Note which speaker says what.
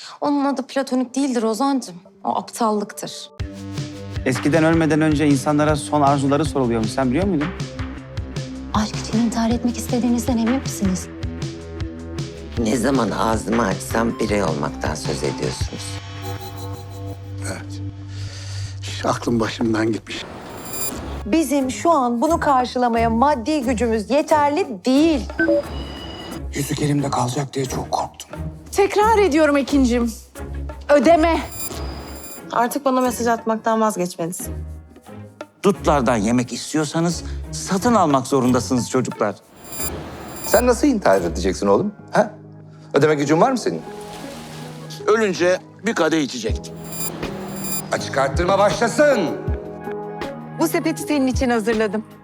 Speaker 1: Onun adı platonik değildir Ozan'cığım. O aptallıktır.
Speaker 2: Eskiden ölmeden önce insanlara son arzuları soruluyormuş. Sen biliyor muydun?
Speaker 3: Aşk için intihar etmek istediğinizden emin misiniz?
Speaker 4: Ne zaman ağzımı açsam birey olmaktan söz ediyorsunuz.
Speaker 5: Evet. Aklım başımdan gitmiş.
Speaker 6: Bizim şu an bunu karşılamaya maddi gücümüz yeterli değil.
Speaker 7: Yüzük elimde kalacak diye çok korktum.
Speaker 8: Tekrar ediyorum Ekin'cim. Ödeme.
Speaker 9: Artık bana mesaj atmaktan vazgeçmelisin.
Speaker 10: Dutlardan yemek istiyorsanız satın almak zorundasınız çocuklar.
Speaker 11: Sen nasıl intihar edeceksin oğlum? Ha? Ödeme gücün var mı senin?
Speaker 10: Ölünce bir kadeh içecektim.
Speaker 11: Açık arttırma başlasın.
Speaker 6: Bu sepeti senin için hazırladım.